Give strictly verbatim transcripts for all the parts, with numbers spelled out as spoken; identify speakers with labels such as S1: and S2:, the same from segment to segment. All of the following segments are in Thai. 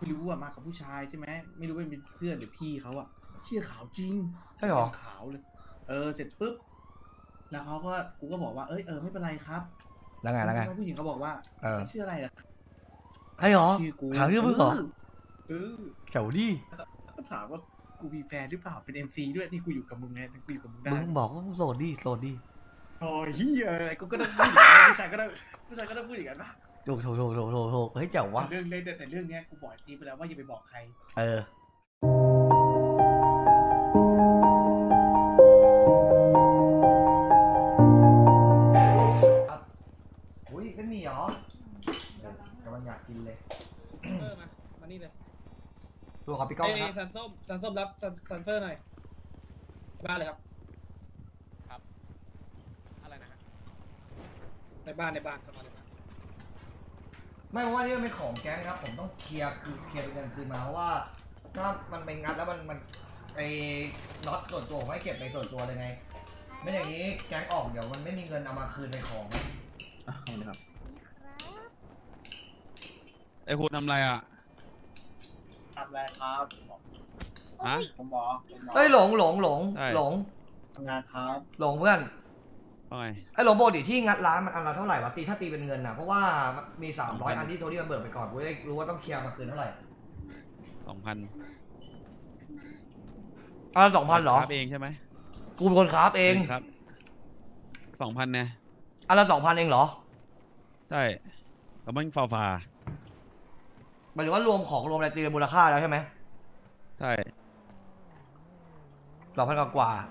S1: ไม่รู้อะมากับผู้ชายใช่ไหมไม่รู้เป็นเพื่อนหรือพี่เขาอะเชี่ยขาวจริง
S2: ใช่หรอ
S1: ขาวเลยเออเสร็จปุ๊บแล้วเขาก็กูก็บอกว่าเอ้ยเออไม่เป็นไรครับ
S2: แล้วไงแล้วไง
S1: ผู้หญิงเขาบอกว่า
S2: เออ
S1: ชื่ออะไรอะ
S2: ใช่หรอ
S1: ชื่อกู
S2: ถามชื่อมึงเหรอ
S1: เออ
S2: แถวดิ
S1: ก็ถามว่ากูมีแฟนหรือเปล่าเป็นเอ็มซีด้วยนี่กูอยู่กับมึงไงกูอยู่กับมึงได้
S2: มึงบอกว่ามึงโสดดิโสดดิ
S1: โอ้ยเฮียอะไรกูก็ต้องพูดอย่างนั้นผู้ชายก็ต้องผู้ชายก็ต้องพูดอย่างนั้นปะ
S2: ถูกถูกถูกถูกถูกถูกเฮ้ยเจ๋งวะ
S1: เรื่องเรื่องแต่เรื่องเนี้ยกูบอกจีไปแล้วว่าอย่าไปบอกใคร
S2: เอออุ้ยเส้นหมี่เหรอกำลังอยากกินเลย
S3: เออมา มานี่เลย
S2: ตัวขอพี่ก้อง
S3: เอ้ย
S2: นะครับ
S3: ซันส้มซันส้มรับซันซันเฟอร์หน่อยบ้านเลยครับ
S4: อะไรนะฮะ
S3: ในบ้านในบ้านเข้ามาในบ้าน
S2: ไม่เพราะว่านี่มันเป็นของแก๊งครับ ผมต้องเคลียร์คือเคลียร์เป็นเงินคืนมาเพราะว่าถ้ามันไปงัดแล้วมันมันไอ้น็อตส่วนตัวผมไม่เก็บในส่วนตัวเลยไง ไม่อย่างนี้แก๊งออกเดี๋ยวมันไม่มีเงินเอามาคืนในของ
S1: อ่ะเอาเลยครับ
S5: ไอ้คุณทำอะไรอ่ะ
S1: ทำอะไรครับ
S5: ฮะ
S1: ผมบอก
S2: เฮ้ยหลงหลงหลง
S5: ใช่
S2: หลง
S1: ทำงานครับ
S2: หลงเพื่อน
S5: ว่าไง
S2: ไอ้หลงปกติที่งัดร้านมันอันละเท่าไหร่วะตีถ้าตีเป็นเงินนะเพราะว่ามันมีสามร้อยอันที่โทนี่มันเบิกไปก่อนกูจะได้รู้ว่าต้องเคลียร์มาคืนเท่าไหร่
S5: สองพัน
S2: อันละสองพันเหรอ
S5: ครับเองใช่ไหม
S2: กูเป็นคนคราฟเอง
S5: ครับสองพันเนี่ย
S2: อันละสองพันเองเหรอ
S5: ใช่แล้วมันฟาฟา
S2: หมายถึงว่ารวมของรวมอะไรตีเป็นมูลค่าแล้วใช่ไหม
S5: ใช่
S2: สองพันกว่า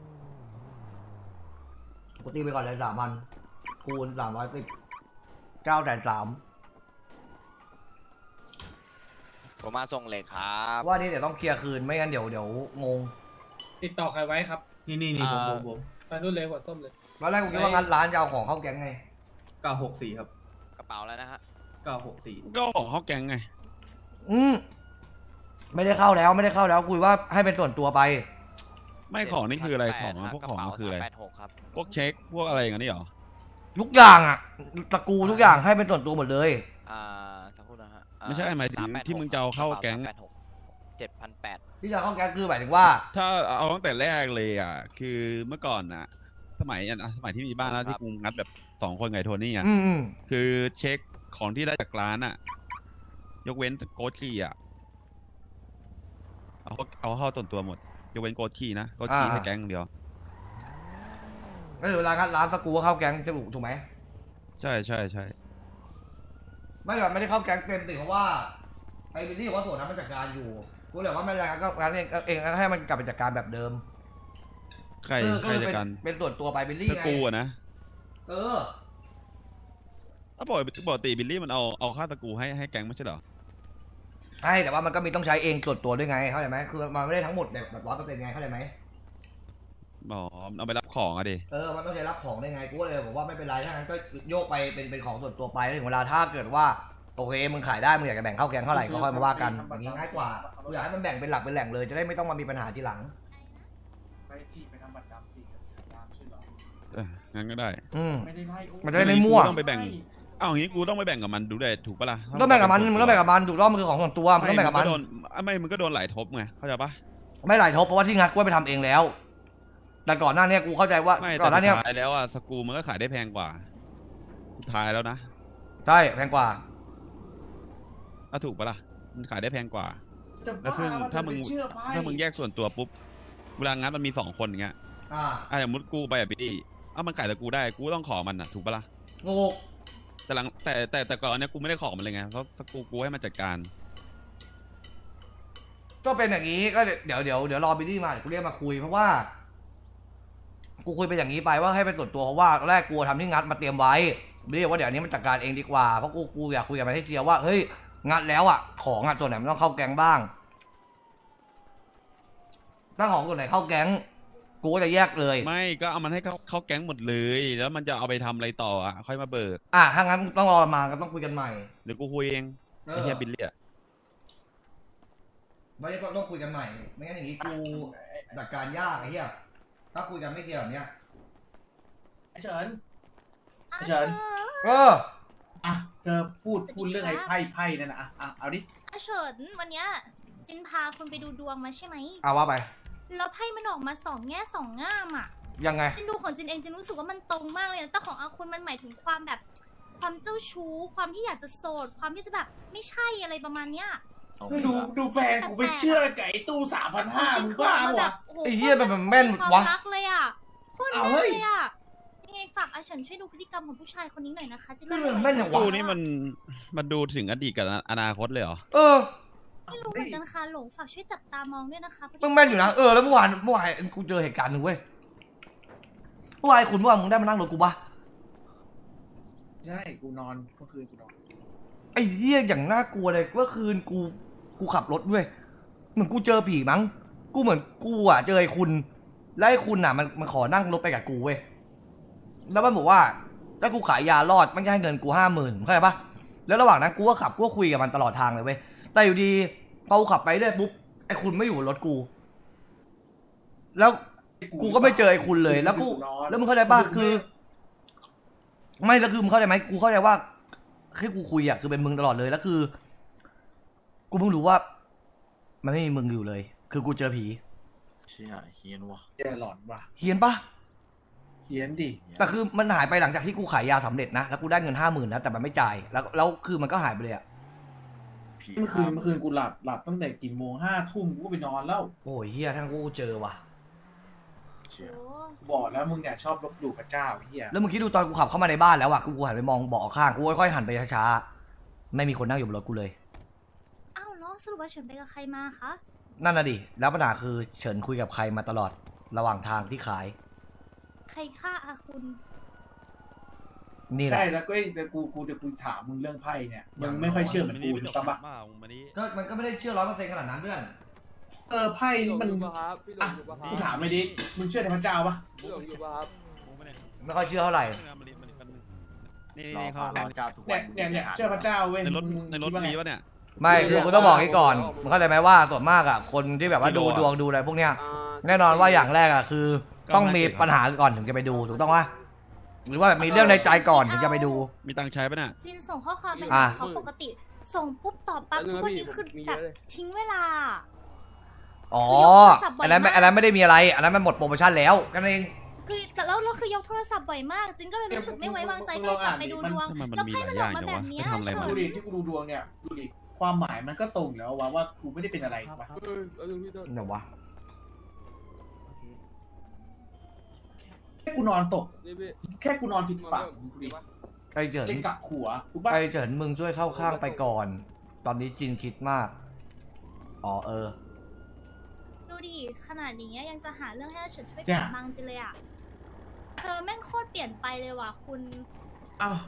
S2: กูตีไปก่อนเลยสามพันคูณสามร้อยสิบเก้าแสนสาม
S4: ผมมาส่งเหล็กครับ
S2: ว่านี่เดี๋ยวต้องเคลียร์คืนไม่งั้นเดี๋ยวเดี๋ยวงง
S3: ติดต่อใครไว้ครับ
S1: นี่นี่นี่ผมผมผม
S3: ไปนู่นเลยหัวส้มเลย
S2: ตอนแรกกูคิดว่างัดร้านจะเอาของเข้าแก๊งไง
S1: เก้าหกสี่ครับ
S4: กระเป๋าแล้วนะฮะ
S1: เก้าหกสี่
S5: ก็ของเขาแกงไง
S2: อืมไม่ได้เข้าแล้วไม่ได้เข้าแล้วคุยว่าให้เป็นส่วนตัวไป
S5: ไม่ของนี่คืออะไรของ
S4: ฮะ
S5: พวก
S4: กระ
S5: ของ
S4: เป๋า
S5: มันคืออะไร
S4: สามแปดหกครับ
S5: พวกเช็คพวกอะไรอย่างนี้เหรอ
S2: ทุกอย่างอ่ะตระกูลทุกอย่างให้เป็นส่วนตัวหมดเลย
S4: อ่าสักครู่นะฮะอ่า
S5: ไม่ใช่หมายถึง
S4: สแปดหก
S5: ที่มึงจะเอาเข้าแก๊ง
S4: สมแปดหกเจ็ดพันแปด
S2: ที่จะเข้าแก๊งคือหมายถึงว่า
S5: ถ้าเอาตั้งแต่แรกเลยอ่ะ คือเมื่อก่อนอ่ะ สมัยอ่ะสมัยที่มีบ้านแล้วที่กูงัดแบบสองคนไงโทนี่อ่ะ
S2: อืมอืม
S5: คือเช็คของที่ได้จากร้านอ่ะ ยกเว้นโกชี่อ่ะ เอาเอาเข้าส่วนตัวหมด ยกเว้นโกชี่นะโกชี่ให้แก๊งอย่างเดียว
S2: ก็คือเวลางัดร้านตระกูลก็เข้าแก๊งจะถูกถูกไหม
S5: ใช่ใช่ใช่
S2: ไม่แบบไม่ได้เข้าแก๊งเต็มติเพราะว่าไอ้บิลลี่บอกว่าส่วนนั้นมันจัดการอยู่กูเลยว่าไม่เป็นไรก็งานเองเองให้มันกลับไปจัดการแบบเดิม
S5: ใคร
S2: เออ
S5: ใคร
S2: คือ
S5: จะ
S2: เป็น
S5: กัน
S2: เป็นส่วนตัวไปบิลลี่
S5: ส
S2: ไง
S5: กรูอะนะ
S2: เออ
S5: ถ้าปกติปกติบิลลี่มันเอาเอาค่าตะกูให้ให้แก๊งไม่ใช่เหรอ
S2: ใช่แต่ว่ามันก็มีต้องใช้เองส่วนตัวด้วยไงเข้าใจไหมคือมันไม่ได้ทั้งหมดแบบแบบร้อยเปอร์เซ็นต์ไงเข้าใจไหม
S5: อ๋อเอาไปรับของอะดิ
S2: เออมันต้องใช้รับของได้ไงกูก็เลยบอกว่าไม่เป็นไรถ้างั้นก็โยกไปเป็นเป็นของส่วนตัวไปแล้วถึงเวลาถ้าเกิดว่าโอเคมึงขายได้มึงอยากจะแบ่งเข้าแก๊งเท่าไหร่ก็ค่อยมาว่ากันอย่างนี้ง่ายกว่ากูอยากให้มันแบ่งเป็นหลักเป็นแหล่งเลยจะได้ไม่ต้องมามีปัญหาทีหลัง
S1: ไปที่ไปทำบัตรดำสิยามใช่เหรอ
S5: เอองั้นก็ได้
S2: อืม
S1: ไม่ได้ไล่โอ้
S2: มันจะได้ไม่มั่ว
S5: ต้องไปแบ่ง เอาอย่างงี้กูต้องไปแบ่งกับมันดูได้ถูกปะล่ะ
S2: ต้องแบ่งกับมันมึงต้องแบ่งกับมันถูกต้องมันคือของส่วนตัวมึงต้องแบ่งกับมัน
S5: ไโดนไม่มึงก็โดนหลายทบไงเข้าใจปะ
S2: ไม่หลายทบเพราะว่าที่งัดกูไปทำเองแล้ว แต่ก่อนหน้านี้กูเข้าใจว่า
S5: ไม่
S2: ก่
S5: แต่
S2: อนหน้า
S5: สุ
S2: นี้
S5: ดท้ายแล้วอะสกรูมันก็ขายได้แพงกว่าสุดท้ายแล้วนะ
S2: ใช่แพงกว่า
S5: อ่ะถูกปะล่ะมันขายได้แพงกว่า
S1: จะ
S5: แล้วซึ่ง
S1: บ้
S5: ถ้ามึง
S1: จะไปเชื่อไป
S5: ถ้ามึงแยกส่วนตัวปุ๊บเวลางัดมันมีสองคนอย่างเงี้ย
S2: อ่า
S5: อ่ะอย่างมุดกูไปอ่ะพี่เอ้ามันขายแต่กูได้กูต้องขอมันอ่ะถูกปะล่ะ
S2: งู
S5: แต่หลังแต่แต่แต่ก่อนเนี้ยกูไม่ได้ขอมันเลยไงเพราะสกรูกูให้มันจัดการ
S2: ก็เป็นอย่างนี้ก็เดี๋ยวเดี๋ยวเดี๋ยวรอบิลลี่มาเดี๋ยวกูเรียกมาคุยเพราะว่า กูคุยไปอย่างนี้ไปว่าให้เป็นส่วนตัวเพราะว่าตอนแรกกูทำที่งัดมาเตรียมไว้บิลลี่บอกว่าเดี๋ยวนี้มันจัดการเองดีกว่าเพราะกูกูอยากคุยกับมันให้เคลียร์ว่าเฮ้ยงัดแล้วอ่ะของอ่ะตัวไหนมันต้องเข้าแก๊งบ้างถ้าของตัวไหนเข้าแก๊งกูก็จะแยกเลย
S5: ไม่ก็เอามันให้เขาเข้าแก๊งหมดเลยแล้วมันจะเอาไปทำอะไรต่ออ่ะค่อยมาเบิก
S2: อ่ะถ้างั้นต้องรอมาก็ต้องคุยกันใหม่
S5: เดี๋ยวกูคุยเอง
S2: เอ
S5: ไอ้
S2: อ
S5: เฮียบิลลี่อ่ะ
S2: ไม่ได้ก็ต้องคุยกันใหม่ไม่งั้นอย่างนี้กูจัดการยากไอ้เหี้ยถ้าคุยกันไม่เคลียร์แบบเนี้ย
S1: ไอ้เฉินไอ้เฉิน
S2: เออ
S1: อ่ะเธอพูดพูดเรื่องไอ้ไพ่ไพ่นั่นนะอ่ะอ่ะเอาดิ
S6: อาเฉินวันเนี้ยจินพาคุณไปดูดวงมาใช่ไหม
S2: เอาว่าไป
S6: แล้วไพ่มันออกมาสองแง่สองง่ามอ่ะ
S2: ยังไง
S6: จินดูของจินเองจินรู้สึกว่ามันตรงมากเลยนะแต่ของอาคุณมันหมายถึงความแบบ ความเจ้าชู้ ความที่อยากจะโสด ความที่จะแบบไม่ใช่อะไรประมาณเนี้ย
S1: ดูดูแฟนกูไปเชื่อไก่ตู้สามพันห้ามึงบ้า
S6: แบ
S1: วะ
S6: บโอ้โห
S2: ไอ้เหี้ยมันแม่น
S6: ความ
S2: วะ
S6: รักเลยอ่ะโคตร
S1: เอา
S6: แม่น
S1: เฮ้ย
S6: เลยอ่ะยังไงฝากอาเฉินช่วยดูพฤติกรรมของผู้ชายคนนี้หน่อยนะคะจิน
S2: เออแม่นอย่างวะ
S5: ตู้นี่มันมันดูถึงอดีตกับอนาคตเลยเหรอ
S2: เออ
S6: ไม่รู้เหมือนกันค่ะหลงฝากช่วยจับตามองด้วยนะคะพฤติกร
S2: มึ
S6: ร
S2: งแม่นอยู่นะ เออ แล้วเมื่อวานเมื่อวานกูเจอเหตุการณ์หนึ่งเว้ย เมื่อวานคุณเมื่อวานมึงได้มานั่งรถกูปะ
S1: ใช่กูนอนเมื่อคืนกูนอน
S2: ไอ้เหี้ยอย่างน่ากลัวเลยเมื่อคืนกู กูขับรถด้วย เหมือนกูเจอผีมั้ง กูเหมือนกูอ่ะเจอไอ้คุณ แล้วไอ้คุณอ่ะมันมันขอนั่งรถไปกับกูเว้ย แล้วมันบอกว่าถ้ากูขายยารอดมันจะให้เงินกูห้าหมื่นเข้าใจปะแล้วระหว่างนั้นกูก็ขับกูก็คุยกับมันตลอดทางเลยเว้ย แต่อยู่ดีพอกูขับไปเรื่อยปุ๊บไอ้คุณไม่อยู่บนรถกู แล้วกูก็ไม่เจอไอ้คุณเลย แล้วกู แล้วมึงเข้าใจปะคือ ไม่แล้วคือมึงเข้าใจไหมกูเข้าใจว่าที่กูคุยอ่ะคือเป็นมึงตลอดเลยแล้วคือ กูเพิ่งรู้ว่า มันไม่มีมึงอยู่เลย คือกูเจอผี
S7: เชี่ยเฮียนวะ
S1: เหี้ยหลอนว่ะ
S2: เฮียนปะ
S1: เฮียนดิ
S2: แต่คือมันหายไปหลังจากที่กูขายยาสำเร็จนะแล้วกูได้เงินห้าหมื่นนะแต่มันไม่จ่ายแล้วแล้วคือมันก็หายไปเลยอ่ะ
S7: ผี
S1: เมื่อคืนเมื่อคืนกูหลับหลับตั้งแต่กี่โมงห้าทุ่มกูก็ไปนอนแล้ว
S2: โอ้ยเฮียทั้งกูเจอว่ะ
S7: เชี่ย
S6: โอ้
S1: บอกแล้วมึงเนี่ยชอบลบหลู่พระเจ้าไอ้เฮีย
S2: แล้วมึงคิดดูตอนกูขับเข้ามาในบ้านแล้วอ่ะกูกูหันไปมองเบาะข้างกูค่อยๆหันไปช้าๆไม่มีคนนั่งอยู่บนรถกูเลย
S6: อ้าวแล้วสรุปว่าเฉินไปกับใครมาคะ
S2: นั่นน่ะดิแล้วปัญหาคือเฉินคุยกับใครมาตลอดระหว่างทางที่ขาย
S6: ใครฆ่าอาคุณ
S2: นี่แหละ
S1: ใช่แล้วก็ไอ้แต่กูกูจะกูถามมึงเรื่องไพ่เนี่ยมึงไม่ค่อยเชื่อเหมือนกูถูกต้องปะ
S5: มามึงมานี่
S2: ก็มันก็ไม่ได้เชื่อร้อยเปอร์เซ็นต์ขนาดนั้นเพื่อน
S1: เออไพ่นี่มัน
S3: ครับพี่หล
S1: อ่ะ
S3: งอยู่ปะครั
S1: กู
S3: บ
S1: ถามไม่ดิมึงเชื่อในพระเจ้าปะ
S3: พี่หลงอยู่ปะครับ
S5: มึงมาเนี่ย
S2: ไม่ค่อยเชื่อเท่าไหร่
S5: มานี่มานี่มานี่นี่
S7: รอ
S5: นี่
S7: พา
S5: เขา
S7: รอเจ้าทุกวั
S1: เนี่ย
S7: น
S1: เนี่ยเนี่ยเชื่อพระเจ้าเว้ย
S5: ในรถ
S1: มึง
S5: ในรถ
S1: คิดว่าไง
S5: มีปะเนี่ย
S2: ไม่คือกูต้องบอกให้ก่อนมึงเข้าใจไหมว่าส่วนมากอ่ะคนที่แบบว่า
S5: ไม่
S2: ดู
S5: รู้อะ
S2: ดวงดูอะไรพวกเนี้ย
S3: อ่า
S2: แน่นอนว่าอย่างแรกอ่ะคือ
S5: ก็
S2: ต้อง
S5: ไม่
S2: มี
S5: เก่ง
S2: ปัญหาก่อนถึงจะไปดูถูกต้องปะหรือว่ามีเรื่องในใจก่อนถึงจะไปดู
S5: มีตังค์ใช้ปะเนี่ย
S6: จินส่งข้อความไป
S2: อ่ะ
S6: หาเขาปกติ ส่งปุ๊บตอบปั๊บ
S3: แล้ว
S6: ทุกวันนี้
S3: พี่
S6: คือ
S3: มี
S6: แบ
S3: เย
S6: บ
S3: อะเลย
S6: ทิ้งเวลา
S2: อ๋อ
S6: คือยกโทรศัพท์บ่อย
S2: อันนั้นไม่
S6: มาก
S2: อันนั้นไม่ได้มีอะไร อันนั้นมันหมดโปรโมชั่นแล้วกันเอง
S6: คือแต่แล้วเราคือยกโทรศัพท์บ่อยมาก จินก็เลยรู้สึกไม่ไว้วางใจก็เลยกลับไปดูดวง
S5: ทำไมมัน
S6: แล้ว
S5: มี
S6: ไพ่
S5: หลาย
S6: มัน
S5: อ
S6: ออย่าง ก
S5: จั
S6: มาง แบบเนี้ย
S5: วะไม่ทำอะไรมา
S1: ดูดิที่กูดูดวงเนี่ยดูดิความหมายมันก็ตรงแล้วว่าว่ากูไม่ได้เป็นอะไรถูกปะ
S3: เออเอาดูพี่ต้น
S2: เดี๋ยววะ
S1: แค่กูนอนตก
S3: นี่พี่
S1: แค่กูนอนผิดฝั่งดูดิ
S2: ไอ้เฉิน
S1: เล่นกับหัวถูกปะ
S2: ไอ้เฉินมึงช่วยเข้าข้างไปก่อน ตอนนี้จินคิดมาก อ๋อเออ
S6: ดูดิขนาดนี้ยังจะหาเรื่องให้อาเฉินช่วย
S1: เนี่ย
S6: ถามบางจินเลยอ่ะเธอแม่งโคตรเปลี่ยนไปเลยว่ะคุณ
S1: อ้าว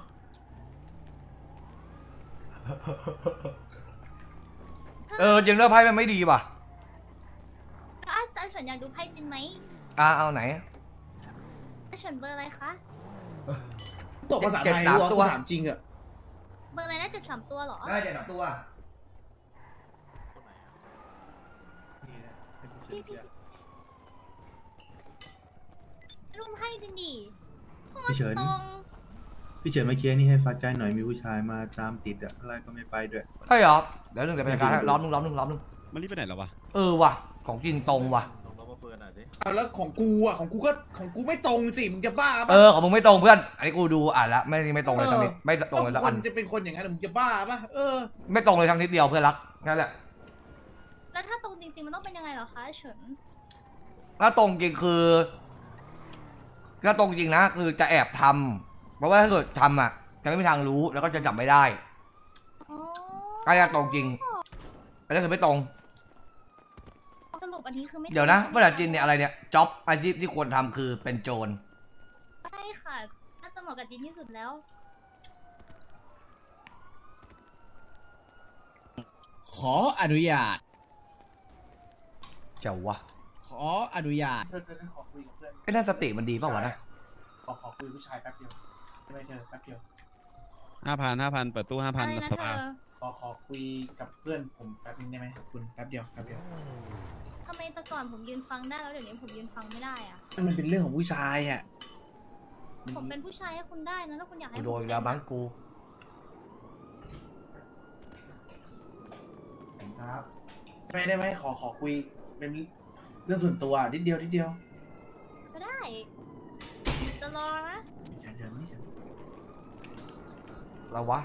S2: เออจริงเรื่องไพ่มันไม่ดีว่ะ
S6: แล้วอาอาเฉินอยากดูไพ่จินไหม
S2: อ่ะเอาไหน
S6: อาเฉินเบอร์อะไรคะ
S1: ตกภาษา
S2: เจ็ด
S1: ไทย
S2: สาม
S1: รู้
S2: ตั
S1: ตัว วถามจริงอะ
S6: เบอร์อะไรนะเจ็ดสามตัวเหรอ
S2: ได้เจ็ดสามตัว
S6: พี่พี่รุมให้จริงดิโคต
S8: พี่เฉิ
S6: ร
S8: น
S6: ตรง
S8: พี่เฉินเมื่อกี้นี่ให้ฟักใจหน่อยมีผู้ชายมาตามติดอะอะไรก็ไม่ไปด้วย
S2: ใช่เหรอ เดี๋ยวหนึ่งเดี๋ยวไปจัดการให้ล้อมหนึ่งล้อมหนึ่งล้อมหนึ่ง
S5: มันรีบไปไหนแล้ววะ
S2: เออว่ะ ของจริงตรงว่ะ
S7: ลองลองมาเฟิร์นหน่อยสิ
S1: เอาแล้วของกูอะของกูก็ของกูไม่ตรงสิมึงจะบ้า
S2: เอ
S1: ปะ
S2: อของมึงไม่ตรงเพื่อน อันนี้กูดูอ่านละไม่ไม่ตรงเลยทั้งนิดไม่ตรงเลยสัก
S1: ค
S2: อั
S1: น
S2: น
S1: จะเป็นคนอย่างนั้นมึงจะบ้าปะเออ
S2: ไม่ตรงเลยทั้งนิดเดียวเพื่อนรักนั่นแหละ
S6: แล้วถ้าตรงจริงๆมันต้องเป็นยังไงเหรอคะอาเฉิน
S2: ถ้าตรงจริงคือ ถ้าตรงจริงนะคือจะแอบทำเพราะว่าถ้าเกิดทำอ่ะ จะไม่มีทางรู้แล้วก็จะจับไม่ได้
S6: อ๋อ
S2: ก็จะตรงจริงอันนี้คือไม่ตรง
S6: สรุปอันนี้คือไม่
S2: เดี๋ยวนะ
S6: ตรง
S2: เมื่อไหร่จินเนี่ยอะไรเนี่ยจ็อบอาชีพที่ควรทำคือเป็นโจร
S6: ใช่ค่ะน่าจะเหมาะกับจินที่สุดแล้ว
S9: ขออนุญาต
S2: เจ้าวะ
S9: ขออนุญาต
S1: เธอเธอฉันขอคุยกับเพื่อน
S2: ไอ้นั่นสติมันดีเปล่าวะนะ
S1: ขอขอคุยผู้ชายแป๊บเดียวไม่เธอแป๊บเดียว
S5: ห้าพันห้าพันเปิดตู้ห้าพัน
S6: อะไรนะ
S5: ส
S6: เธ
S5: ภา
S6: อ
S1: ขอขอคุยกับเพื่อนผมแป๊บนึงได้ไหมคุณแป๊บเดียวแป๊บเดียว
S6: ทำไมแต่ก่อนผมยืนฟังได้แล้วเดี๋ยวนี้ผมยืนฟังไม่ได้อะ
S1: มันเป็นเรื่องของผู้ชายอะ
S6: ผมเป็นผู้ชายให้คุณได้นะถ้าคุณอยากให้
S2: กู
S6: ผม
S2: โดนอีกแล้วมั้งกูครับ
S1: ไม่ได้ไหมขอขอคุยเป็นเรื่องส่วนตัวนิดเดียวนิดเดียว
S6: ก็ได้ จะรอนะ
S1: เชิญเชิญไม่เชิญ
S2: เราวะ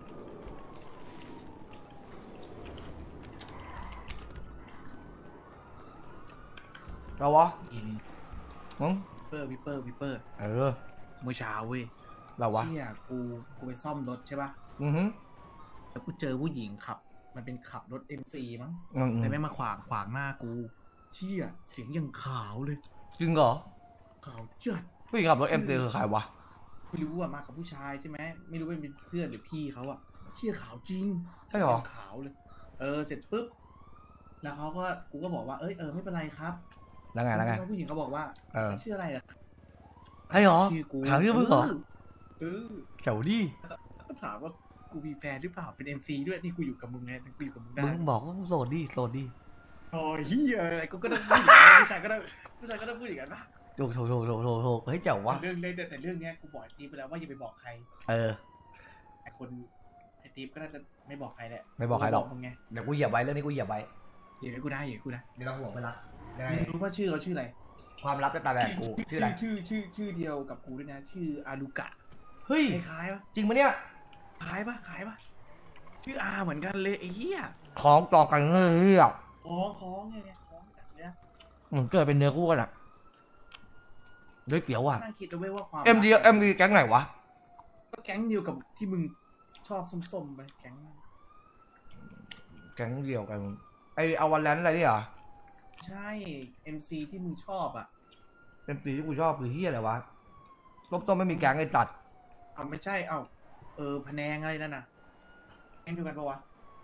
S2: เราวะมึง
S1: วิปเปอร์วิปเปอร์วิปเปอร์
S2: เออ
S1: เมื่อเช้าเว้ย
S2: เราวะ
S1: เชี่ยกูกูไปซ่อมรถใช่ป่ะ
S2: อือฮึ
S1: แล้วกูเจอผู้หญิงขับ มันเป็นขับรถ เอ็ม ซี มั้ง
S2: อืม
S1: แต่ไม่มาขวางขวางหน้ากูเชี่ยเสียงยังขาวเลย
S2: จริงเหรอ
S1: ขาวจัด
S2: ผู้หญิงขับรถเอ็มตีคือใครวะ
S1: ไม่รู้อะมากับผู้ชายใช่ไหมไม่รู้ว่าเป็นเพื่อนหรือพี่เขาอะเชี่ยขาวจริง
S2: ใช่เหรอ
S1: สียงขาวเลย เออเสร็จปุ๊บแล้วเขาก็กูก็บอกว่าเอ้ยเออไม่เป็นไรครับ
S2: แล้วไงแล้วไง
S1: ผู้หญิงเขาบอกว่า
S2: เออ
S1: ชื่ออะไรอะ
S2: ใช่เหรอ
S1: ชื่อกู
S2: ถามชื่อมึงเหรอ
S1: เออ
S2: เจ๋วดิ
S1: ก็ถามว่ากูมีแฟนหรือเปล่าเป็น เอ็ม ซี ด้วยนี่กูอยู่กับมึงไงกูอยู่กับมึงได้
S2: มึงบอกว่ามึงโสดดิโสดดิ
S1: โอ้ยเฮียอะไรกูก็ต้องพูดอย่างนั้นผู้ชายก็ต้องผู้ชายก็ต้องพูดอย่างนั้นปะ
S2: โถโถโถโถโถโถเฮ้ยเจ๋ววะ
S1: แต่เรื่องเรื่องแต่เรื่องเนี้ยกูบอกไอ้ตีฟไปแล้วว่าอย่าไปบอกใคร
S2: เออ
S1: ไอ้คนไอ้ตีฟก็น่าจะไม่บอกใครแหละ
S2: ไม่บอกใครหรอก
S1: มึงไง
S2: เดี๋ยวกูเหยียบไว้เรื่องนี้กูเหยียบไว้
S1: เดี๋ยวกูได้เดี๋ยวกูได้
S2: ไม่ต้องห่วงไปละยังไง
S1: ไม่รู้ว่าชื่อเขาชื่ออะไร
S2: ความลับจะตายแบบกูชื่ออะไร
S1: ชื่อชื่อชื่อเดียวกับกูด้วยนะ ชื่ออารุกะ
S2: เฮ้ย
S1: คล้ายๆปะ
S2: จริงปะเนี่ย
S1: คล้ายปะคล้ายปะชื่ออาเหมือนกันเลยไอ้เหี้ย
S2: ของต่อกันเฮ้ยอ่ะ
S1: คล้องคล้องไงเนี่ยคล้องจัดเลยนะ
S2: เหมือนเกิดเป็นเนื้อคู่กันอ่ะด้วยเปียวอ่ะ
S1: นั่งคิดเอาไว้ว่าความ
S2: เอ็มดีเอ็มดีแก๊งไหนวะ
S1: ก็แก๊งเดียวกับที่มึงชอบส้มๆไปแก๊งนั้น
S2: แก๊งเดียวกันไอเอาวันแลนอะไรนี่เหรอ
S1: ใช่ เอ็ม ซี ที่มึงชอบอ่ะ
S2: เอ็มดีที่กูชอบคือเฮียอะไรวะต้มต้มไม่มีแก๊งไอ้ตัด
S1: เอาไม่ใช่ เอาเออพะแนงอะไรนั่นน่ะแก๊งเดียวกันปะวะ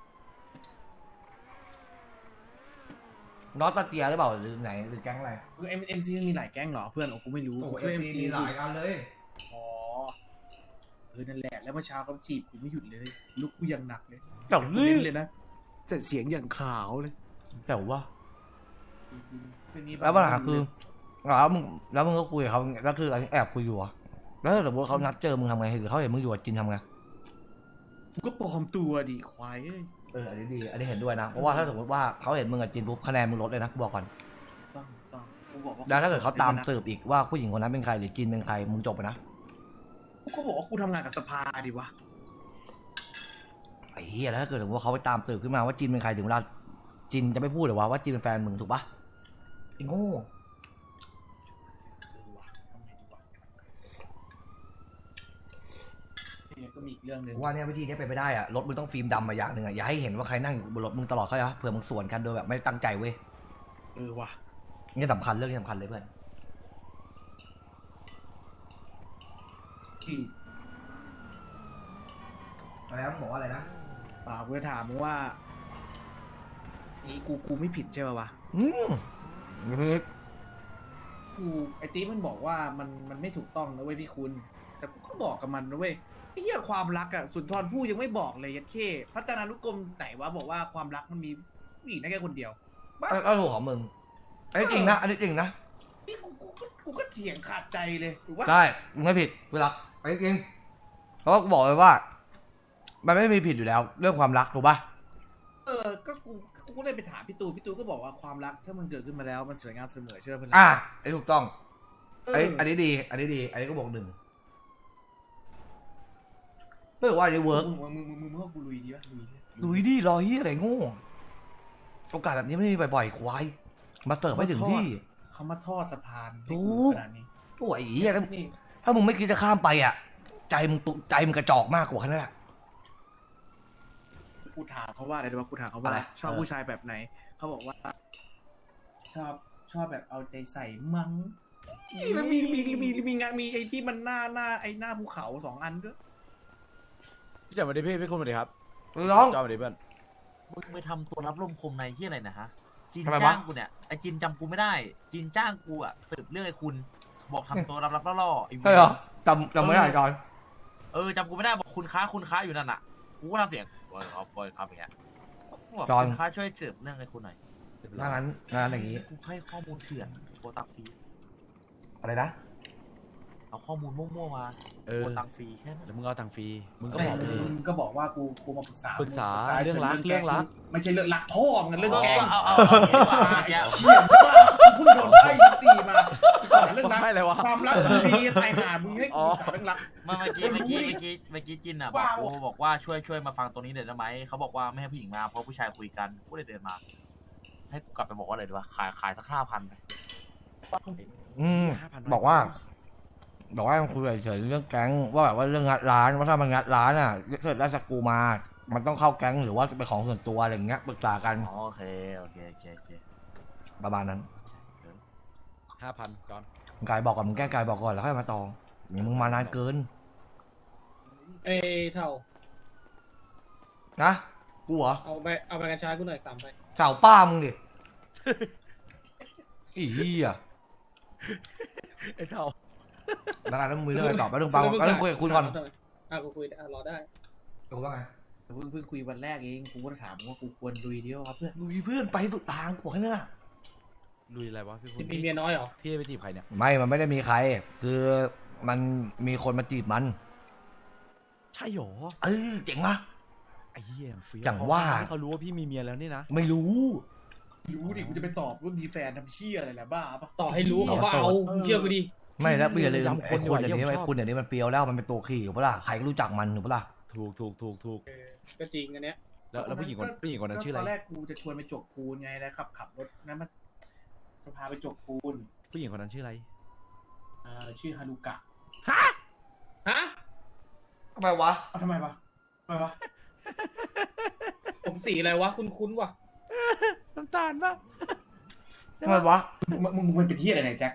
S2: น้องตาเตียหรือเปล่าหรือไหนหรือแก๊งอะไร
S1: คือเอ็มเอ็มซีมันมีหลายแก๊งเหรอเพื่อนโอ้กูไม่รู้
S2: โอ้
S1: กู
S2: เอ็ม
S1: เคย
S2: ดีมีหลายกันเลย
S1: อ๋อเออนั่นแหละแล้วเมื่อเช้าเขาจีบกูไม่หยุดเลยลุกกูยังหนักเลย
S2: เจ๋ว
S1: กู
S2: นี่
S1: เน้นเลยนะแต่เสียงอย่างขาวเลย
S2: เจ๋ววะ
S1: จริงๆเป็นนี้
S2: แล้วปัญหาคือแล้วมึงแล้วมึงก็คุยกับเขาแล้วคืออันนี้แอบคุยอยู่อะแล้วถ้าสมมติเขานัดเจอมึงทำไงหรือเขาเห็นมึงอยู่กับจินทำไง
S1: กูก็ปลอมตัวดิควายเอ้ย
S2: เอออันนี้ดีอันนี้เห็นด้วยนะเพราะว่าถ้าสมมติว่าเขาเห็นมึงกับจินปุ๊บคะแนนมึงลดเลยนะกูบอกก่อน
S1: ต้องต้องกูบอกว่า
S2: แล้วถ้าเกิดเขาตามสืบอีกว่าผู้หญิงคนนั้นเป็นใครหรือจินเป็นใครมึงจบไปนะ
S1: กูก็บอกว่ากูทำงานกับสภาดิวะ
S2: ไอ้เหี้ยแล้วถ้าเกิดสมมติว่าเขาไปตามสืบขึ้นมาว่าจินเป็นใครถึงเวลาจินจะไม่พูดหรือว่าว่าจินเป็นแฟนมึงถูกปะไอ้โง่
S1: เออวะทำไงดีวะนี่ก็มีอีกเรื่องหนึ่ง
S2: ว่าเนี่ยวิธีนี้เป็นไปได้อะรถมึงต้องฟิล์มดำมาอย่างหนึ่งอะอย่าให้เห็นว่าใครนั่งอยู่บนรถมึงตลอดเข้าใจปะเผื่อมึงสวนกันโดยแบบไม่ได้ตั้งใจเว้ย
S1: เออว่ะ
S2: นี่สำคัญเรื่องนี้สำคัญเลยเพื่อน
S1: ที่
S2: อะไรนะบอกว่าอะไรนะ
S1: ป่าวกูจะถามมึงว่านี่กูกูไม่ผิดใช่ป่าวะ
S2: อืมคือ
S1: กูไอ้ตีมันบอกว่ามันมันไม่ถูกต้องนะเว้ยพี่คุณ แต่กูก็บอกกับมันนะเว้ยไอ้เหี้ยความรักอะสุนทรภู่ยังไม่บอกเลยยัดเข้พระจนานุกรมไหนวะบอกว่าความรักมันมีผู้หญิงได้แค่คนเดียวบ้า
S2: ก็ถูกของมึงอันนี้จริงนะอันนี้จริงนะ
S1: นี่กูกูก็กูก็เถียงขาดใจเลยถูกปะ
S2: ได้มึงไม่ผิดเวลาอันนี้จริงเพราะว่ากูบอกเลยว่า มันไม่มีผิดอยู่แล้ว เรื่องความรักถูกปะ
S1: เออก็กูกูก็เลยไปถามพี่ตูพี่ตูก็บอกว่าความรักถ้ามันเกิดขึ้นมาแล้วมันสวยงามเสมอใช่ไหมเพื่อน
S2: อ่ะไอ้ถูกต้อง
S1: เอ
S2: ไอ้
S1: อ
S2: อันนี้ดี อันนี้ดี อันนี้ก็บอกหนึ่งไม่รู้ว่าอันนี้เวิร์ก
S1: มึงมึงมึงมึงมึงว่ากูลุยดีปะลุยดิ
S2: ดูดิรอเฮียอะไรโง่โอกาสแบบนี้ไม่มีบ่อยๆควายมาเสิร์ฟไม่ถึงที่
S1: เขามาทอดสะพานให้
S2: ถู
S1: กู
S2: ก
S1: ขนาดนี้
S2: โอ้ยไอ้เฮียถ้า
S1: นี่
S2: ถ้ามึงไม่คิดจะข้ามไปอ่ะ ใจมึงตุใจมึงกระจอกมากกว่าแค่นั้นแหละ
S1: กูถามเขาว่าอะไรรู้ปะกูถามเขา
S2: อะ
S1: ว่า
S2: ไร
S1: ชอบ
S2: เออ
S1: ผู้ชายแบบไหนเขาบอกว่า ชอบชอบแบบเอาใจใส่มั้งนี่แล้วมีมีมีมีมีงานมีไอ้ที่มันหน้าหน้าไอ้หน้าภูเขาสองอันด้วย
S7: พี่จับมาดิพี่พี่คุณมาดิครับ
S2: น้อง
S7: จอมาดิเพื่อน
S10: มึงไปทำตัวรับลมคมในที่อะไรนะฮะจีน
S2: ทำไมวะ
S10: จ้างกูเนี่ยไอจีนจำกูไม่ได้จีนจ้างกูอะสืบเรื่องไอ้คุณ บอกทำตัวรับรับล่อๆไอ้
S2: ใช่เหรอจำจำไม่ได้ก่อน
S10: เออจำกูไม่ได้บอกคุณค้าคุณค้าอยู่นั่นอะกูก็ทำเสียงบอยครับบอยครับอย่างเงี้ยบอกคุณค้าช่วยสืบเรื่องไอ้คุณหน่อย
S2: งานนั้นงานอย่างนี้
S10: กูให้ข้อมูลเถื่อนโกตับฟี
S2: อะไรนะ
S10: เอาข้อมูลมั่วๆมา
S7: เออ
S10: โอนตังค์ฟรีแค่นั้น
S7: แล้วมึงเอาตังค์ฟรีมึงก็
S1: ก็
S7: บอกไปดิ
S1: มึงก็บอกว่ากูกูมาปรึกษา
S7: ปรึกษา
S1: มึ
S7: เรื่องรัก
S1: แ
S7: เรื่องรัก
S1: ไม่ใช่เรื่องรักพ่อมึงเรื่องแกง
S10: เอาเอาเอาเอาเอา
S1: มา
S10: เอา
S1: ไอ้
S10: เอา
S1: เชี่ยบ้ากูเพิ่งโดนไพ่ยี่สี่มาปรึกษาเรื่องรัก
S7: ไม่เลยวะ
S1: ความรักมึงดีตายหามึงให้กูปรึกษาเรื่องรัก
S10: เมื่อกี้เมื่อกี้เมื่อกี้เมื่อกี้จินอ่ะบอก
S1: ว้าว
S10: กูบอกว่าช่วยช่วยมาฟังตรงนี้เดี๋ยวได้ไหมเขาบอกว่าไม่ให้ผู้หญิงมาเพราะผู้ชายคุยกันกูเลยเดินมา ให้กูกลับไปบอกว่าอะไรดีวะขายขายสักห้าพันไป
S2: อืมบอกว่า บอกว่าคุยเฉยๆเรื่องแก๊งว่าแบบว่าเรื่องงัดร้านว่าถ้ามันงัดร้านอ่ะเกิดได้สกรูมา มันต้องเข้าแก๊งหรือว่าเป็นของส่วนตัวอะไรอย่างเงี้ยปรึกษากัน
S10: อ๋อโอเคโอเคโอเคโอเค
S2: ประมาณนั้น
S7: ห้าพันจอน
S2: กายบอกก่อนมึงแก้กายบอกก่อนแล้วค่อยมาต่ออย่ามึงมานานเกิน
S3: เอ้ยเท่า
S2: นะกูเหรอ
S3: เอาไปเอาไปกัญชากูหน่อยสามไป
S2: เสาป้ามึงดิ อีเหี้ย
S7: ไอ้เท่า
S2: แล้วกันแล้วมึงมีเรื่องอะไรตอบแล้วเรื่องปังก็ต้องคุยกับคุณก่อน
S3: อ่ะกูคุยอ่ะรอได้
S2: กูว่าไง
S1: เพิ่งเพิ่งคุยวันแรกเองกูก็ถามว่ากูควรลุยเดียวครับเพื่อน
S2: ลุยเพื่อนไปสุดทางกูบอกให้เนี่ย
S7: ลุยอะไรวะพี่พูด
S3: มีเมียน้อยเหรอ
S7: พี่ไปจีบใครเนี่ย
S2: ไม่มันไม่ได้มีใคร คือมันมีคนมาจีบมัน
S7: ใช่หรอ
S2: เออเจ๋งปะ
S7: ไอ้เหี้ยเฟี้ยว
S2: อย่างว่า
S7: เขารู้ว่าพี่มีเมียแล้วนี่นะ
S2: ไม่รู้
S1: รู้ดิกูจะไปตอบว่ามีแฟนทำเชี่ยอะไรแหละบ้าปะ
S3: ต่อให้รู้เขาก็เอา
S1: เออ
S3: มึงเชื่อกูดิ
S2: ไม่แล้วอย่าลืม
S7: ย้ำค
S2: ไอ้
S7: นอยู่
S2: คุณ
S7: อะ
S2: เดี๋ยวนี้
S7: เยี่ยมชอบ
S2: ไอ้คุณเดี๋ยวนี้มันเปรียวแล้วมันเป็นตัวขี่อยู่ปะล่ะใครก็รู้จักมันถูกปะล่ะ
S7: ถูกถูกถูกถูก
S3: เออก็จริงอันเนี้ย
S7: แล้วแล้วผู้หญิงคนผู้หญิงคนนั้นชื่ออะไร
S1: ตอนแรกกูจะชวนไปจกปูนไงแล้วขับขับรถนั้นมันจะพาไปจกปูน
S7: ผู้หญิงคนนั้นชื่ออะไร
S1: อ่าชื่อฮารุกะ
S3: ฮะ
S2: ทำไมวะ
S1: เอาทำไมวะทำไมวะ
S3: ผมสีอะไรวะ คุ้นคุ้นๆวะ
S7: น้ำตาลปะ
S2: ทำไมวะ
S1: มึงมึงมึงมันเป็นที่อะไรเนี่ยแจ็ค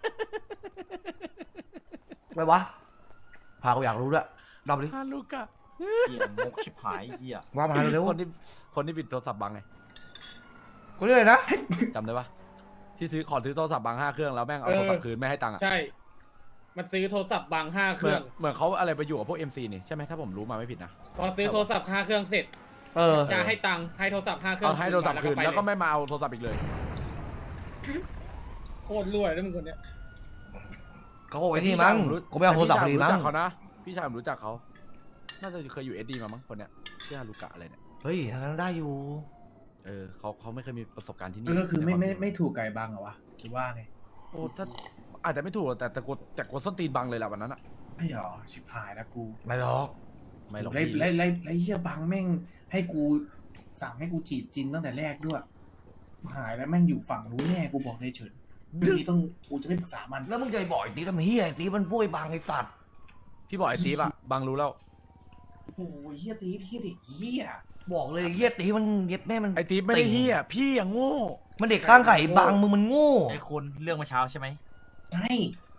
S2: ทำไมวะพากูอยากรู้ด้วยรอบนี้
S7: ฮาลูกะ
S10: เหี้ยมกชิบหายเหี้ย
S2: ว่ามาเร็ว
S7: คนที่คนที่ปิดโทรศัพท์บังไง
S2: ๆกูเรียกอะไรนะ
S7: จำได้ปะที่ซื้อขอซื้อโทรศัพท์บังห้าเครื่องแล้วแม่งเอาโทรศัพท์คืนไม่ให้ตังค์อ่ะ
S3: ใช่ มันซื้อโทรศัพท์บางห้าเค
S7: เหมื
S3: รื่
S7: อ
S3: อน ง
S7: เหมือนเขาอะไรไปอยู่กับพวก เอ็ม ซี นี่ใช่ไหมถ้าผมรู้มาไม่ผิดนะ
S3: พอซื้อโทรศัพท์ห้าเครื่องเสร็จ
S2: เออ
S3: จะให้ตังค์ให้โทรศัพท์ห้าเครื่อ
S7: เอา
S3: ง
S7: ให้โทรศัพท์คืน
S3: ไป
S7: แล้วก็
S3: เย
S7: ไม่มาเอาโทรศัพท์อีกเลย
S3: โคตรรวยแล้วมึงคนเนี้ย
S2: เขาคงไอ้นี่มั้งกูไม่เอาโทรศัพท์พอดีมั้ง
S7: พี่ชายผมรู้จักเขานะพี่ชายผมรู้จักเขาน่าจะเคยอยู่เอสดีมามั้งคนเนี้ยชื่อฮารุกะอะไรเนี่ย
S2: เฮ้ยทางนั้นได้อยู่
S7: เออเขาเขาไม่เคยมีประสบการณ์ที่นี่
S1: ก็คือไม่ไม่
S7: ในวา
S1: ไม่ถูกไก่บังเหรอวะหรือว่าไง
S7: โอ้ถ้าอาจจะไม่ถูกแต่แต่กดแต่กดส้นตีนบังเลยแหละวันนั้นอะ
S1: ไม่หรอชิบหายแล้วกู
S2: ไม่หรอก
S7: ไม่หรอก
S1: ไล่
S7: พี่
S1: ไล่ไล่ไล่เฮียบังแม่งให้กูสั่งให้กูจีบจินตั้งแต่แรกด้วยหายแล้วแม่งอยู่ฝั่งนู้นแน่กูบอกในเฉินเรื่องนี้ต้องกูจะไม่ปรึกษามัน
S2: แล้วมึงจะไปบอกไอ้ตีทำเฮียไอ้ตีมันพูดไอ้บางไอ้สัตว์
S7: พี่บอกไอ้ตีฟอะบังรู้แล้ว
S1: โอ้ยเฮียตีพี่เด็กเฮีย
S2: บอกเลยเฮียตีมันเย็บแม่มัน
S7: ไอ้ตีฟไม่ได้เฮียพี่อย่างโง่
S2: มันเด็กข้างไข่บางมึงมันโง่
S10: ไอ้คุณเรื่องเมื่อเช้าใช่ไหม
S1: ใช่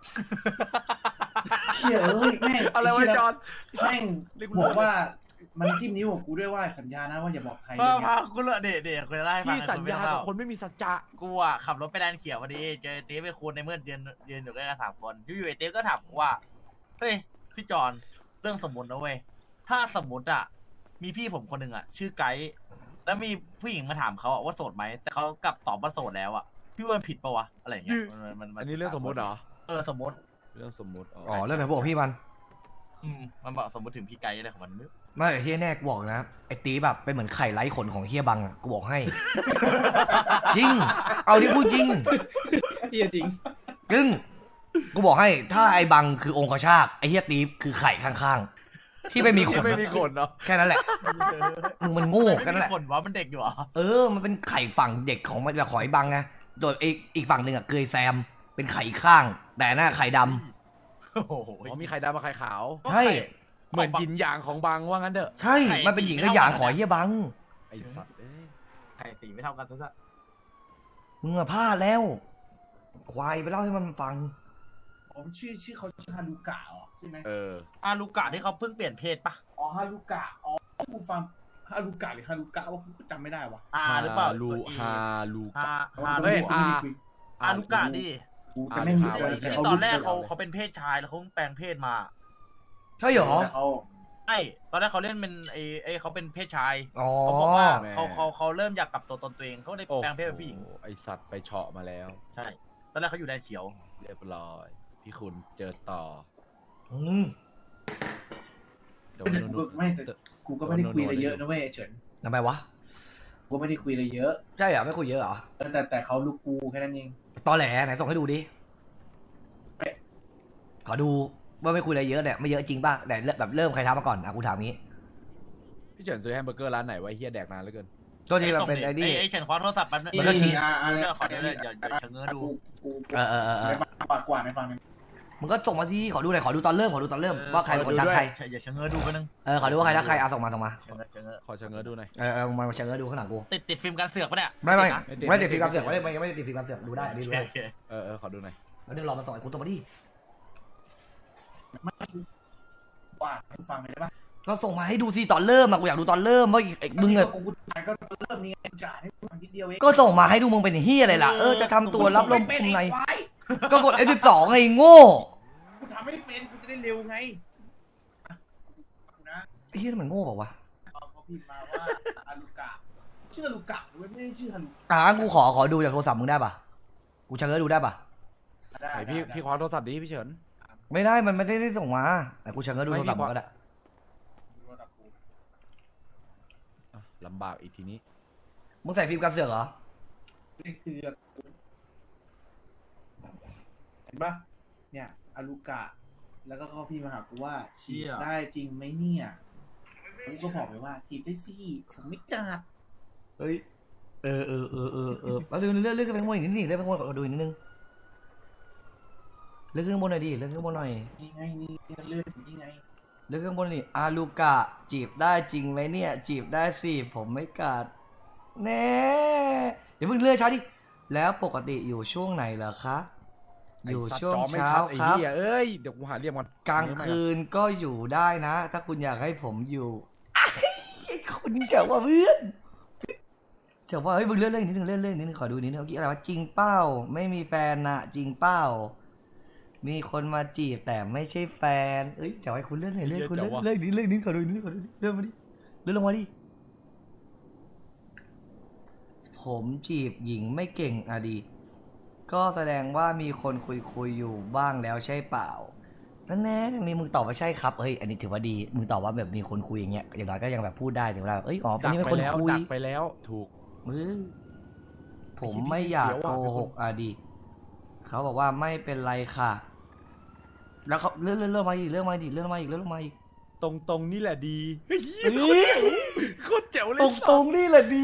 S1: เฮียเอ้ยแม่ง
S7: อะไรวะ
S1: เหี้ย
S7: จอน
S1: แม่งบอกว่ามันจิ้มนิ้วกับกูด้วยว่าสัญญานะว่าอย่าบอกใคร
S10: พา
S1: เรื่อง
S10: พา
S1: เนี้ย
S10: กูเลยเด็ดเด็ดเคยไล่าให้ฟัง
S7: พี่สัญญากับคนไม่มีสัจจะ
S10: กูอ่ะขับรถไปแดนเขียวพอดีเจอเต๊ไปคูณในเมื่อเดือนเดือนอยู่ด้วยกันสามคนอยู่ๆไอ้เต๊ก็ถามกูว่าเฮ้ยพี่จอนเรื่องสมมตินะเว้ยถ้าสมมติอ่ะมีพี่ผมคนหนึ่งอ่ะชื่อไกด์แล้วมีผู้หญิงมาถามเขาอ่ะว่าโสดไหมแต่เขากลับตอบว่าโสดแล้วอ่ะพี่ว่ามันผิดปะวะอะไรอย่างเงี้ยมันมันมั
S7: อันนี้เรื่องสมมุติเหรอ
S10: เออสมมติ
S7: เรื่องสมมุติอ๋อ
S2: อ๋อเรื่องไหนบอกพี่มัน
S10: อืมมันบอกสมมติถึงพี่ไกด์อะไรของมันไม่รู้
S2: ไม่ไอ้เฮียแน่กูบอกนะไอ้ตีแบบเป็นเหมือนไข่ไร้ขนของเฮียบังอะกูบอกให้ จริง เอาดิพูดจริง
S3: เฮียจริง
S2: จริงกูบอกให้ถ้าไอ้บังคือองคชาตไอ้เฮียตีคือไข่ข้างๆที่ไม่มีขน
S7: ไม่มีขนเนาะ
S2: แค่นั้นแหละมึงมันโง่แค่นั้นแห
S10: ไม่
S2: ละ
S10: มีคนวะมันเด็กอยู่เหรอ
S2: เออมันเป็นไข่ฝั่งเด็กของมันแบบขอยบังไงโดยอีกอีกฝั่งหนึ่งอะเกยแซมเป็นไข่อีกข้าง แต่หน้าไข่ดำ
S10: โอ้โห
S7: อ๋อมีไข่ดำกับไข่ขาว
S2: ใช่
S7: เหมือนยินหยางของบังว่างั้นเถอะ
S2: ใช่ มันเป็นหญิงกับหยางขอเฮียบัง
S7: ไอ้สัตว์เอ้ย
S10: ไข่ตีไม่เท่ากันซะซะ
S2: มึงอะพลาดแล้ว ควายไปเล่าให้มันฟัง
S1: ผมชื่อชื่อเขาชื่อฮารุกะเหรอใช่ไหม
S7: เออ
S10: อาลูกะที่เขาเพิ่งเปลี่ยนเพศปะ
S1: อ๋อฮารุกะอ๋อกูฟังฮารุกะหรือฮารุกะว่ากูก็จำไม่ได้วะ
S10: อาหรือเปล่า
S7: ลู
S10: ตัว E
S7: ฮาลู
S10: ฮาก
S7: ะ
S10: ฮา
S7: เฮ้
S10: ลู
S7: ย
S10: กะ
S7: อา
S10: อาลูกะดิ
S1: กูจะไม่รู้
S7: อ่า
S1: เลย
S10: ที่
S1: เขา
S10: ตอนแรกเขา
S1: รู้
S10: เขาเป็นเพศชายแล้วเขาแปลงเพศมา
S2: ใช่เหรอ
S1: แต่เขา
S10: ใช่ตอนแรกเขาเล่นเป็นไอ้ไอ้เขาเป็นเพศชาย
S2: อ๋อ
S10: เขาบอกว่าเขาเขาเขาเริ่มอยากกลับตัวตนตัวเองเขาเลย
S7: โอ้
S10: แปลงเพศเป็นผู้หญิง
S7: ไอสัตว์ไปเฉาะมาแล้ว
S10: ใช่ ตอนแรกเขาอยู่แดนเขียว
S7: เรียบร้อยพี่คุณเจอต่อ
S2: อืม
S7: โดน
S1: แต่กู
S7: นู่
S1: ก็
S7: น
S1: ไม่แต่กูก็ไม่ได้คุยอะไรเยอะนะเว้ยไอ้เฉิน
S2: ทำไมวะ
S1: กูก็ไม่ได้คุยอะไรเยอะ
S2: ใช่เหรอไม่คุยเยอะเหรอ
S1: แต่แต่เขาลูกกูแค่นั้นเอง
S2: ตอแหลไหนส่งให้ดูดิ
S1: เอ๊ะ
S2: ขอดูว่าไม่คุยอะไรเยอะเนี่ยไม่เยอะจริงป่ะไหนเริ่มแบบเริ่มใครทำมาก่อนอ่ะกูถามงี้
S7: พี่เฉินซื้อแฮมเบอร์เกอร์ร้านไหนไวะไอ้เฮียแดกนานเหลือเกิน
S2: ตัวที่มันเป็นไอ้นี่
S10: ไอ้เฉินคว้าโทรศัพท์แป๊บนึง
S2: มันก็ขี่
S1: อ่าอ่า
S10: เดี๋ยวขอดูเลยเดี๋ยวเดี๋ยวเฉินเงื้อดู
S1: กูกู
S2: เออเออเออเออ
S1: ในปากกว่าในฟังหนึ่ง
S2: มึงก็ส่งมาสิขอดูหน่อยขอดูตอนเริ่มขอดูตอนเริ่มว่าใครเป็นคนทักใคร
S10: เดี๋ยวเฉินเงื้อดูแป๊บนึง
S2: เออขอดูว่าใครทักใครเอาส่งมาส่งมา
S10: เฉินเงื้อเฉินเงื้อ
S7: ขอเชิญเงินดูหน่อย
S2: เออเออมาเชิญดูข้างหลังกู
S10: ติดติดฟิล์มการเสือกปะเนี่ย
S2: ไม่ไม่
S10: ติดนะ
S2: ไม่ติดฟิล์มการเสือกไม่ได้ไม่ไม่ได้ติดฟิล์มการเสือกดูได้อันนี้
S10: โอ
S2: ดู
S10: เค
S2: ได้
S10: โอเค
S7: เออเออขอดูหน่อย
S2: แล้วเดี๋ยวรอมาส่งไอ้คุณตัวมาดิ
S1: กว่าให้ฟังเลยได้ปะ
S2: ก็ส่งมาให้ดูสิตอนเริ่มอะกูอยากดูตอนเริ่มว่าไอ้มึงอะ
S1: กูจ่ายก็เริ่มนี่ไงจ่ายให้ฟังนิดเดียวเอง
S2: ก็ส่งมาให้ดูมึงเป็นเฮียอะไรล่ะเออจะทำตัวรับลม
S1: เป็
S2: คุมใน
S1: ไอ้ควาย
S2: ก็กด เอฟ สิบสอง ไงโง่
S1: กูทำไม่ได้เป็นกูจะได้เร็วไงอ่ะกูนะ
S2: ไอ้เฮียมันโง่เปล่าวะ
S1: เขาเขาพิมพ์มาว่าอารุกะชื่ออารุกะเว้ยไม่ได้ชื่อฮารุ
S2: อ่ะงั้นกูขอขอดูจากโทรศัพท์มึงได้ปะกูเชิญดูได้ปะ
S1: ได้
S7: ไหนพี่
S1: ได้
S7: พี่คว้าโทรศัพท์ดิพี่เฉิน
S2: ไม่ได้มันไม่ได้ได้ส่งมาแต่กูเชิญดูโทรศัพท์มึงก็ได้
S1: โทรศัพท์กู
S7: อ่ะลำบากอีกทีนี้
S2: มึงใส่ฟิล์มกันเสือกเหรอ
S1: นี่คือเห็นปะเนี่ยอารุกะ แล้วก็เขาพิมพ์มาหากูว่าฉีดได้จริงไหมเนี่ยกูก็บอกไปว่าจีบได้สิผมไม่จัด
S2: เฮ้ยเออเออเออเออเออแล้วเลื่อนเลื่อนเลื่อนขึ้นไปข้างบนอีกนิดนึงเลื่อนไปข้างบนขอดูอีกนิดนึงเลื่อนขึ้นข้างบนหน่อยดิเลื่อนขึ้นข้างบนหน่อย
S1: นี่ไงนี่เลื่อนนี่ไง
S2: เลื่อนขึ้นข้างบนนี่อาลูกะจีบได้จริงไหมเนี่ย จีบได้สิผมไม่กัดแน่เดี๋ยวเพิ่งเลื่อนช้าดิแล้วปกติอยู่ช่วงไหนเหรอคะอยู่ช่วง
S7: ไอ้สัตจอไม่
S2: เช้า
S7: ชัดไอ้
S2: ครับ
S7: เหี้ยเอ้ยเดี๋ยวกูหาเรียกมัน
S2: กลางคืนก็อยู่ได้นะ ถ้าคุณอยากให้ผมอยู่ คุณเจ๋งว่าเพื่อนเจ๋งว่าเฮ้ยมึงเลื่อนเลื่อนนิดนึงเลื่อนเลื่อนนิดนึงขอดูนิดนึงเมื่อกี้อะไรวะจริงเป้าไม่มีแฟนนะจริงเป้ามีคนมาจีบแต่ไม่ใช่แฟนเอ้ยเจ๋งไอ้คุณเลื่อนหน่อยเลื่อนคุณเลื่อนเลื่อนนิดเลื่อนนิดขอดูนิดขอดูนิดเลื่อนมาดิเลื่อนลงมาดิผมจีบหญิงไม่เก่งอะดีก็แสดงว่ามีคนคุยคุยอยู่บ้างแล้วใช่เปล่านั่นแน่มีมึงตอบว่าใช่ครับเฮ้ยอันนี้ถือว่าดีมึงตอบว่าแบบมีคนคุยอย่างเงี้ยอย่างน้อยก็ยังแบบพูดได้ถึงเวลาเอ้ยอ๋อคน
S7: ดัก
S2: นี้เป็น
S7: ไป
S2: คน
S7: แล้ว
S2: คุย
S7: ดักไปแล้วถูก
S2: มือผมไม่อยากโกหกอะดีเขาบอกว่าไม่เป็นไรค่ะ แล้วเขาเลื่อนเลื่อนเลื่อนมาอีกเลื่อนมาอีกเลื่อนมาอีกเลื่อนมาอีก
S7: ตรงตรงๆนี่แหละดีเฮ้ย
S2: เฮ้ย
S7: โคตรเจ๋วเลย
S2: ตรงตรงๆนี่แหละดี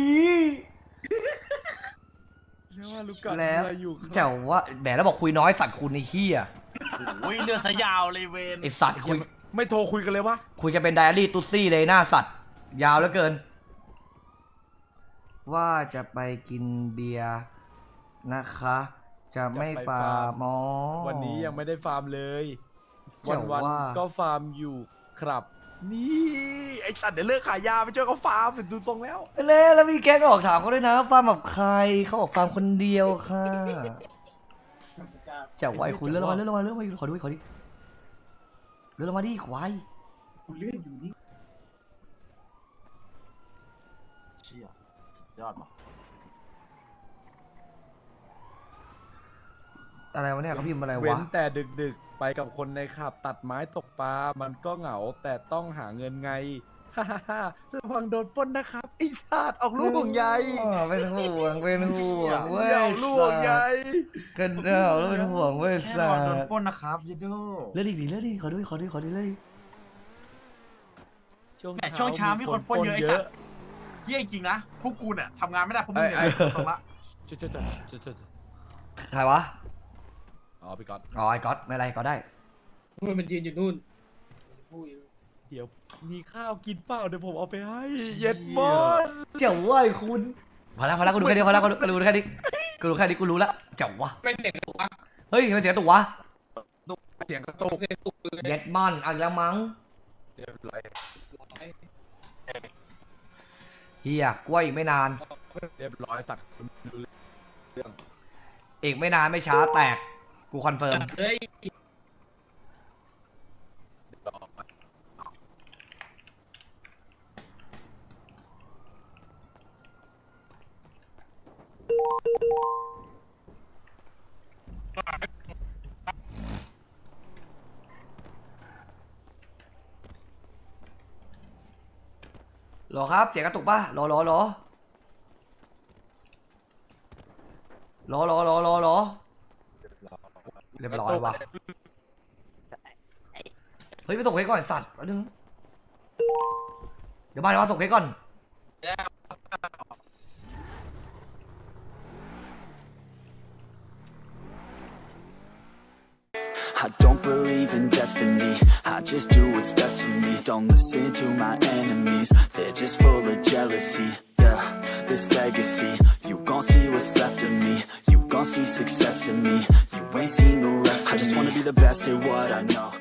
S7: แล้วว่าลูกกะ
S2: แล้ว
S7: อะไรอยู่ครับ
S2: เจ้าว่าแหมแล้วบอกคุยน้อยสัตว์คุณในขี้อ่ะ
S10: โอ้ยเลือดสยาวเลยเวน
S2: ไอสัตว์คุย
S7: ไม่โทรคุยกันเลยวะ
S2: คุยกันเป็นไดอารี่ตุ๊ซี่เลยหน้าสัตว์ ยาวเหลือเกิน ว่าจะไปกินเบียร์นะคะ จะไม่ฟาร์มอ
S7: วันนี้ยังไม่ได้ฟาร์มเลย
S2: เจ๋
S7: วัน
S2: ว
S7: วัน
S2: ว่า
S7: ก็ฟาร์มอยู่ครับ นี่ไอ้ตัดเดี๋ยวเลิกขายยาไปช่วยเขาฟาร์มเป็นดูทรงแล้ว
S2: เล่แล้วมีแก๊งออกถามเขาด้วยนะฟาร์มแบบใครเขาบอกฟาร์มคนเดียวค่ะเจ้าไวคุณเลื่อนลงมาเลื่อนลงมาเลื่อนลงมาขอดูขอดิเลื่อนลงมาดิควาย
S1: กูเลื่อนอยู่นี่
S10: เชี่ยสุดยอดว่ะ
S2: อะไรวะเนี่ยเขาพิมพ์อะไร
S7: เว้
S2: วะ
S7: นแต่ดึกๆ ไปกับคนในขับตัดไม้ตกปลา มันก็เหงาแต่ต้องหาเงินไง ฮ่าฮ่าฮ่าระวังโดนปล้นนะครับไอ้สัตว์ออกลูกห่วงใย
S2: อ๋อเป็นห่วงเป็นห่วงเว้ย
S7: ออกลูกห่วงใย
S2: กันเดาแล้วเป็นห่วงเว้ย
S10: แค่
S2: สั
S10: ระวังโดน
S2: ตว์
S10: ปล้นนะครับยูโด
S2: เลื่อนดิดิเลื่อนดิขอดูขอดูขอดูเลย
S10: แต่ช่วงเช้ามีคนปล้นเยอะไอ้สัตว์เยี่ยจริงนะพวกกูเนี่ยทำงานไม่ได้เพราะมึงเนี่ยสมละ
S7: จุดจุดจุดจุดจุด
S2: ใครวะ
S7: อ๋อพี่ก๊อต
S2: อ๋อไอ้ก๊อตไม่ไรก็ได้
S3: มันมันยืนอยู่นู่นพูดอยู่
S7: เดี๋ยวมีข้าวกินเปล่าเดี๋ยวผมเอาไปให้ เย็ดมอน
S2: เจ้าว่าไอ้คุณพอแล้วพอแล้วกูดูแค่นี้พอแล้วกูดูกูดูแค่นี้กูดูแค่นี้กูรู้ละเจ้าวะ
S3: เป็นเด็กถูกปะ
S2: เฮ้ยมันเสียงตุกวะ
S7: เสียงกระตุก
S3: เด็กถูกเลย
S2: เย็ดมอนเอาอีกแล้วมั้ง
S7: เรียบร้อย
S2: เฮียกล้วยอีกไม่นาน
S7: เรียบร้อยสัตว์ดูเรื่อง
S2: อีกไม่นานไม่ช้าแตกกูคอนเฟิร์ม
S3: เฮ้ย
S7: รอ
S2: หรอครับเสียงกระตุกป่ะหรอหรอหรอหรอหรอหรอหรอหรอเรียบร้อยว่ะเฮ้ยไปส่งเพชรก่อนไอ้สัตว์แป๊บนึงเดี๋ยวมาเดี๋ยวมาส่งเพชรก่อน
S11: I don't believe in destiny, I just do what's best for me. Don't listen to my enemies, they're just full of jealousy. Yeah, this legacy, you gon' see what's left of me. You gon' see success in me, you ain't seen the rest of me. I just wanna be the best at what I know.